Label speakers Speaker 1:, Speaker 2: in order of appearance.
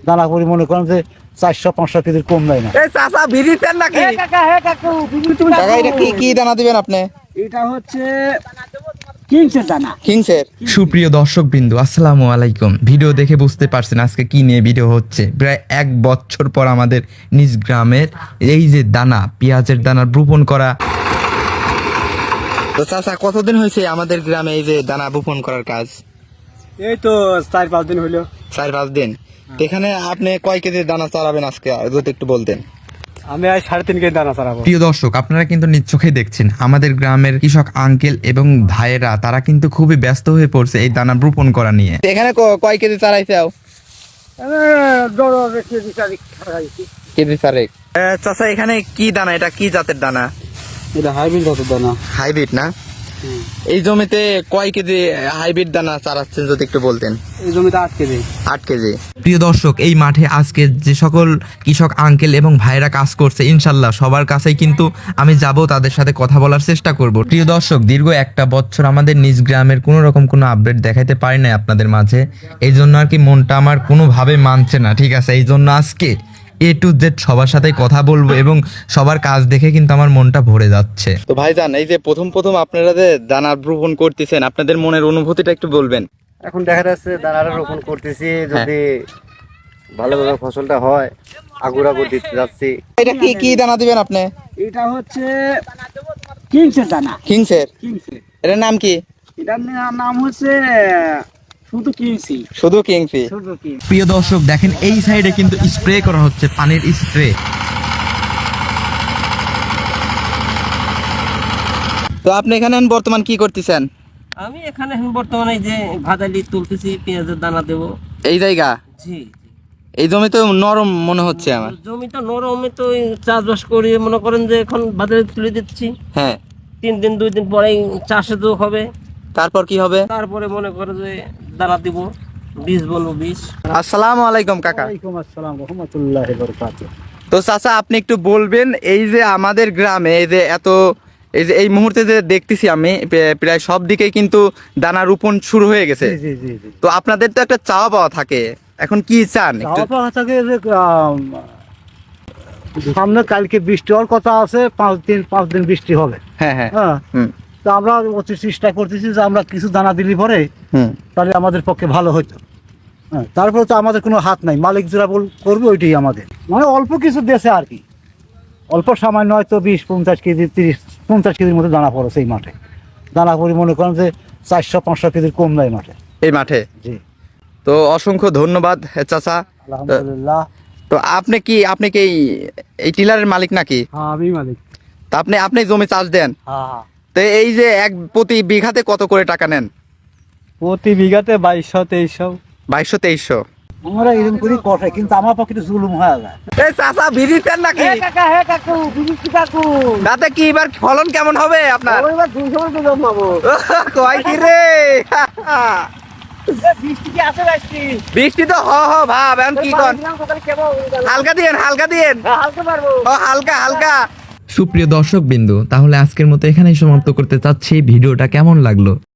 Speaker 1: দানা করি মনে করেন যে 400-500 কেজির কম দেয় না।
Speaker 2: চাচা বিড়ি দেন নাকি?
Speaker 1: কাকা
Speaker 2: এটা কি দানা দিবেন আপনি?
Speaker 1: এটা হচ্ছে কিংসের দানা।
Speaker 2: কিংসের।
Speaker 3: সুপ্রিয় দর্শক বিন্দু, আসসালামু আলাইকুম। ভিডিও দেখে বুঝতে পারছেন আজকে কি নিয়ে ভিডিও হচ্ছে। প্রায় 1 বছর পর আমাদের নিজ গ্রামের এই যে দানা, পেঁয়াজের দানা রোপণ করা।
Speaker 2: তো চাচা কতদিন হয়েছে আমাদের গ্রামে এই যে দানা বপন করার কাজ?
Speaker 1: এই তো 4-5 দিন হলো।
Speaker 2: 4-5 দিন। তো এখানে আপনি কয় কেজি দানা চালাবেন আজকে যদি একটু বলতেন?
Speaker 1: আমি আজ 3.5 কেজি দানা চালাবো।
Speaker 3: প্রিয় দর্শক, আপনারা কিন্তু নিজ চোখেই দেখছেন আমাদের গ্রামের কৃষক আঙ্কেল এবং ভাইয়েরা, তারা কিন্তু খুবই ব্যস্ত হয়ে পড়ছে এই দানা রোপণ করা নিয়ে।
Speaker 2: এখানে কয় কেজি চালাইছে? কেজি 4। চাচা এখানে কি দানা, এটা কি জাতের দানা?
Speaker 1: এটা হাইব্রিড জাতের দানা।
Speaker 2: হাইব্রিড না? এই জমিতে কয় কেজি হাইব্রিড দানা চালাচ্ছেন যদি একটু বলতেন?
Speaker 1: এই জমিতে 8 কেজি।
Speaker 2: 8 কেজি।
Speaker 3: প্রিয় দর্শক, এই মাঠে আজকে যে সকল কৃষক আঙ্কেল এবং ভাইরা কাজ করছে, ইনশাল্লাহ সবার কাছেই কিন্তু আমি যাব, তাদের সাথে কথা বলার চেষ্টা করব। প্রিয় দর্শক, দীর্ঘ 1 বছর আমাদের নিজ গ্রামের কোনো রকম কোনো আপডেট দেখাইতে পারি নাই আপনাদের মাঝে। এই জন্য আর কি মনটা আমার কোনোভাবে মানছে না, ঠিক আছে? এই জন্য আজকে A to Z সবার সাথে কথা বলবো এবং সবার কাজ দেখে কিন্তু আমার মনটা ভরে যাচ্ছে।
Speaker 2: তো ভাইজান, এই যে প্রথম আপনারা যে দানা রোপণ করতেছেন, আপনাদের মনের অনুভূতিটা একটু বলবেন।
Speaker 1: এখন দেখা যাচ্ছে দানাটা রোপণ করতেছি, যদি ভালোভাবে ফসলটা হয় আগুরা দিতে যাচ্ছি।
Speaker 2: এটা কি দানা দিবেন আপনি?
Speaker 1: এটা হচ্ছে কিংসের দানা।
Speaker 2: কিংসের। এটার নাম কি?
Speaker 1: এটার নাম হচ্ছে শুধু কিংসি।
Speaker 2: শুধু কিংসি।
Speaker 3: প্রিয় দর্শক দেখেন, এই সাইডে কিন্তু স্প্রে করা হচ্ছে, পানির স্প্রে।
Speaker 2: তো আপনি এখানে বর্তমান কি করতেছেন?
Speaker 4: আমি এখানে এখন বর্তমানে যে ভাদালি তুলতেছি, পেঁয়াজের দানা দেবো।
Speaker 2: এই জায়গা?
Speaker 4: জি।
Speaker 2: এই জমি তো নরম মনে হচ্ছে আমার।
Speaker 4: জমিটা নরমে তো চাষবাস করি, মনে করেন যে এখন ভাদালি তুলে দিচ্ছি।
Speaker 2: হ্যাঁ।
Speaker 4: 3 দিন 2 দিন পরেই চাষে তো হবে।
Speaker 2: তারপর কি হবে?
Speaker 4: তারপরে মনে করে যে দানা দিব, বীজ বলবো বীজ।
Speaker 2: আসসালামু আলাইকুম কাকা।
Speaker 1: ওয়ালাইকুম আসসালাম ওয়া রাহমাতুল্লাহি ওয়া বারাকাতুহু।
Speaker 2: তো চাচা, আপনি একটু বলবেন এই যে আমাদের গ্রামে এই যে এই মুহূর্তে যে দেখতেছি আমি প্রায় সব দিকে কিন্তু দানা রোপণ শুরু হয়ে গেছে।
Speaker 1: জি জি জি।
Speaker 2: তো আপনাদের তো একটা চাওয়া পাওয়া থাকে, এখন কি চান একটু?
Speaker 1: চাওয়া পাওয়া থাকে যে সামনে কালকে বৃষ্টি হওয়ার কথা আছে, 5 দিন বৃষ্টি হবে।
Speaker 2: হ্যাঁ হ্যাঁ।
Speaker 1: হ্যাঁ।
Speaker 2: হুম
Speaker 1: তো আমরা অতি চেষ্টা করতেছি যে আমরা কিছু দানা দিলি পরে
Speaker 2: হুম।
Speaker 1: তাহলে আমাদের পক্ষে ভালো হতো। হ্যাঁ, তারপরে তো আমাদের কোনো হাত নাই, মালিক যেটা করবে ওইটাই আমাদের, মানে অল্প কিছু দেশে আর কি, অল্প সামান্য হয়তো 20-50 কেজি 30-50 কেজির মতো দানা পড়ে সেই মাঠে। দানা করি মনে করেন যে 400-500 কেজির কম দেয় মাঠে।
Speaker 2: এই মাঠে?
Speaker 1: জি।
Speaker 2: তো অসংখ্য ধন্যবাদ চাচা।
Speaker 1: আলহামদুলিল্লাহ।
Speaker 2: তো আপনি কি এই টিলারের মালিক নাকি?
Speaker 1: হ্যাঁ, আমি মালিক।
Speaker 2: তা আপনি জমি চাষ দেন?
Speaker 1: হ্যাঁ।
Speaker 2: তো এই যে প্রতি বিঘাতে কত করে টাকা নেন?
Speaker 1: প্রতি বিঘাতে 2200-2300।
Speaker 2: 2200-2300?
Speaker 1: আমরা এরকম করি কষে, কিন্তু আমার পক্ষে তো জুলুম হয়ে যায়।
Speaker 2: এই চাচা বিড়ি দেন নাকি?
Speaker 1: কাকু
Speaker 2: তাতে কি এবার ফলন কেমন হবে আপনার?
Speaker 1: এবার 200 তো জমাবো।
Speaker 2: কয় কি রে?
Speaker 1: বৃষ্টি কি আছে?
Speaker 2: বৃষ্টি তো ভাব, এখন কি কন? হালকা দিয়েন
Speaker 1: হালকা পারবো।
Speaker 2: হালকা।
Speaker 3: সুপ্রিয় দর্শক বিন্দু, তাহলে আজকের মতো এখানেই সমাপ্ত করতে চাচ্ছি। ভিডিওটা কেমন লাগলো